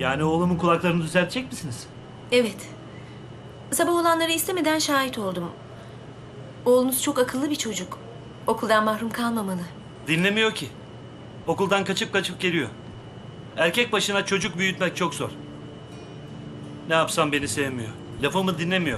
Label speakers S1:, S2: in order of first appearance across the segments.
S1: Yani oğlumun kulaklarını düzeltecek misiniz?
S2: Evet. Sabah olanlara istemeden şahit oldum. Oğlunuz çok akıllı bir çocuk. Okuldan mahrum kalmamalı.
S1: Dinlemiyor ki. Okuldan kaçıp kaçıp geliyor. Erkek başına çocuk büyütmek çok zor. Ne yapsam beni sevmiyor. Lafımı dinlemiyor.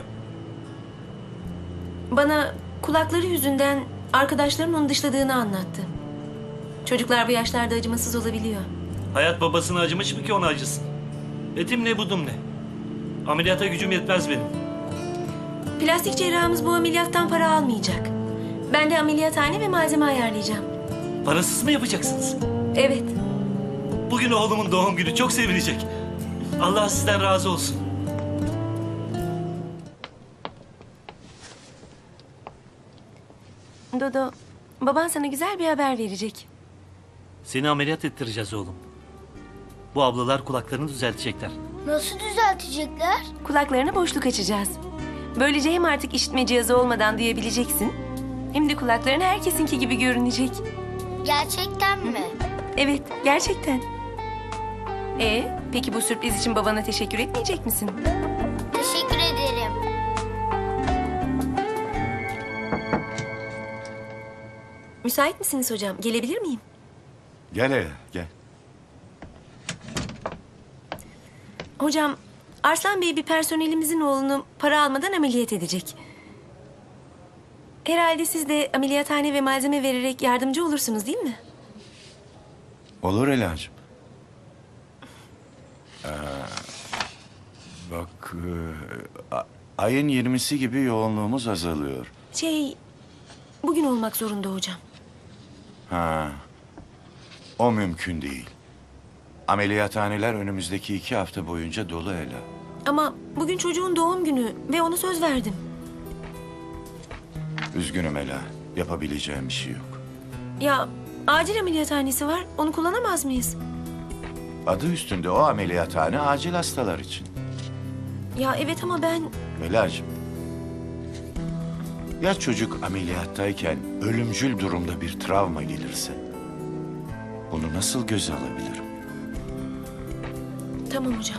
S2: Bana kulakları yüzünden arkadaşlarının onu dışladığını anlattı. Çocuklar bu yaşlarda acımasız olabiliyor.
S1: Hayat babasına acımış mı ki ona acısın? Etim ne budum ne? Ameliyata gücüm yetmez benim.
S2: Plastik cerrahımız bu ameliyattan para almayacak. Ben de ameliyathane ve malzeme ayarlayacağım.
S1: Parasız mı yapacaksınız?
S2: Evet.
S1: Bugün oğlumun doğum günü, çok sevinecek. Allah sizden razı olsun.
S2: Dodo, baban sana güzel bir haber verecek.
S1: Seni ameliyat ettireceğiz oğlum. Bu ablalar kulaklarını düzeltecekler.
S3: Nasıl düzeltecekler?
S2: Kulaklarına boşluk açacağız. Böylece hem artık işitme cihazı olmadan duyabileceksin, hem de kulakların herkesinki gibi görünecek.
S3: Gerçekten mi?
S2: Evet, gerçekten. Peki bu sürpriz için babana teşekkür etmeyecek misin?
S3: Teşekkür ederim.
S2: Müsait misiniz hocam? Gelebilir miyim?
S4: Gel hele, gel.
S2: Hocam, Arslan Bey bir personelimizin oğlunu para almadan ameliyat edecek. Herhalde siz de ameliyathane ve malzeme vererek yardımcı olursunuz değil mi?
S4: Olur Ela'cığım. Bak, ayın 20'si gibi yoğunluğumuz azalıyor.
S2: Bugün olmak zorunda hocam.
S4: Ha, o mümkün değil. Ameliyathaneler önümüzdeki 2 hafta boyunca dolu Ela.
S2: Ama bugün çocuğun doğum günü ve ona söz verdim.
S4: Üzgünüm Ela, yapabileceğim bir şey yok.
S2: Ya acil ameliyathanesi var, onu kullanamaz mıyız?
S4: Adı üstünde o ameliyathane acil hastalar için.
S2: Ya evet ama ben...
S4: Ela'cığım, ya çocuk ameliyattayken ölümcül durumda bir travma gelirse? Bunu nasıl göze alabilirim?
S2: Tamam hocam.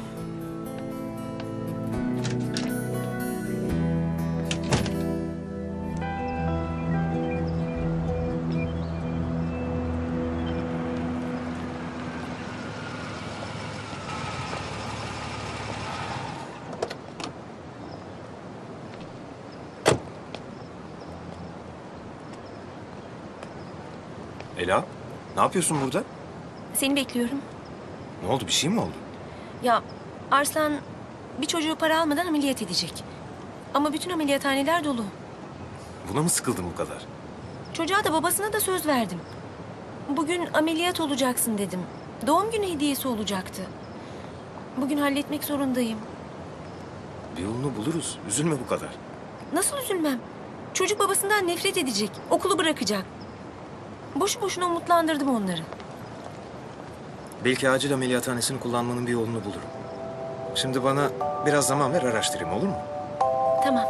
S5: Ela, ne yapıyorsun burada?
S2: Seni bekliyorum.
S5: Ne oldu, bir şey mi oldu?
S2: Ya Arslan bir çocuğu para almadan ameliyat edecek. Ama bütün ameliyathaneler dolu.
S5: Buna mı sıkıldın bu kadar?
S2: Çocuğa da babasına da söz verdim. Bugün ameliyat olacaksın dedim. Doğum günü hediyesi olacaktı. Bugün halletmek zorundayım.
S5: Bir yolunu buluruz, üzülme bu kadar.
S2: Nasıl üzülmem? Çocuk babasından nefret edecek. Okulu bırakacak. Boşu boşuna umutlandırdım onları.
S5: Belki acil ameliyathanesini kullanmanın bir yolunu bulurum. Şimdi bana biraz zaman ver, araştırayım, olur mu?
S2: Tamam.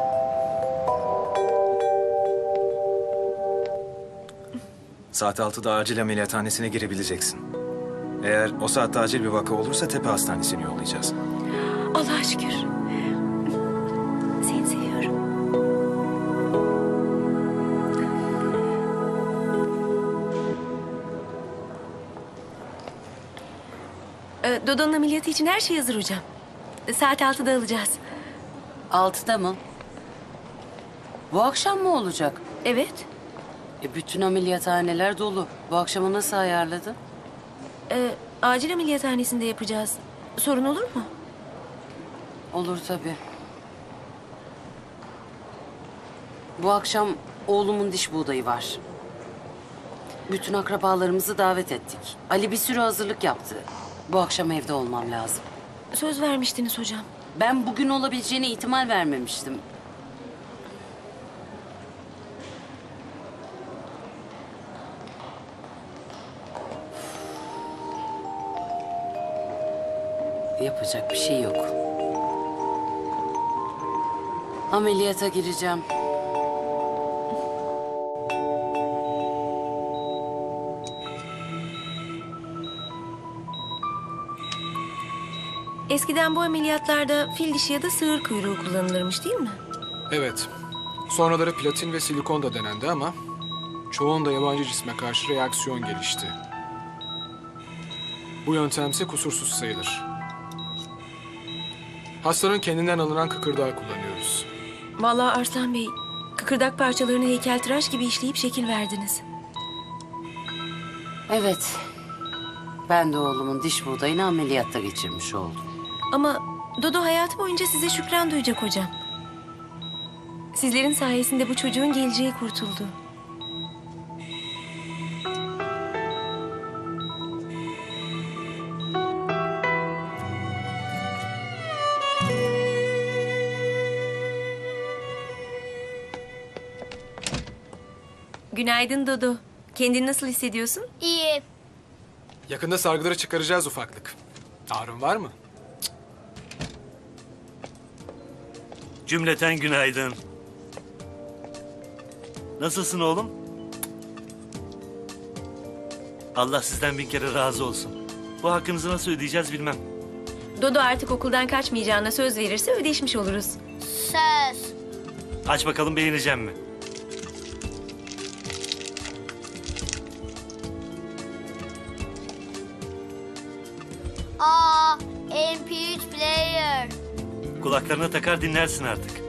S5: Saat 6'da acil ameliyathanesine girebileceksin. Eğer o saatte acil bir vaka olursa Tepe Hastanesi'ne yollayacağız.
S2: Allah'a şükür. Seni seviyorum. Dodo'nun ameliyatı için her şey hazır hocam. Saat 6'da alacağız.
S6: 6'da mı? Bu akşam mı olacak?
S2: Evet.
S6: Bütün ameliyathaneler dolu. Bu akşamı nasıl ayarladın?
S2: Acil ameliyathanesinde yapacağız. Sorun olur mu?
S6: Olur tabii. Bu akşam oğlumun diş buğdayı var. Bütün akrabalarımızı davet ettik. Ali bir sürü hazırlık yaptı. Bu akşam evde olmam lazım.
S2: Söz vermiştiniz hocam.
S6: Ben bugün olabileceğine ihtimal vermemiştim. Yapacak bir şey yok. Ameliyata gireceğim.
S2: Eskiden bu ameliyatlarda fil dişi ya da sığır kuyruğu kullanılırmış değil mi?
S7: Evet. Sonraları platin ve silikon da denendi ama çoğunda yabancı cisme karşı reaksiyon gelişti. Bu yöntemse kusursuz sayılır. Hastanın kendinden alınan kıkırdağı kullanıyoruz.
S2: Vallahi Arslan Bey, kıkırdak parçalarını heykeltıraş gibi işleyip şekil verdiniz.
S6: Evet. Ben de oğlumun diş buğdayını ameliyatta geçirmiş oldum.
S2: Ama Dodo hayatı boyunca size şükran duyacak hocam. Sizlerin sayesinde bu çocuğun geleceği kurtuldu. Günaydın Dodo. Kendini nasıl hissediyorsun?
S3: İyi.
S7: Yakında sargıları çıkaracağız ufaklık. Ağrın var mı?
S1: Cümleten günaydın. Nasılsın oğlum? Allah sizden bin kere razı olsun. Bu hakkınızı nasıl ödeyeceğiz bilmem.
S2: Dodo artık okuldan kaçmayacağına söz verirse ödeşmiş oluruz.
S3: Söz.
S1: Aç bakalım beğeneceğim mi?
S3: Aa, MP3 player.
S1: Kulaklarına takar dinlersin artık.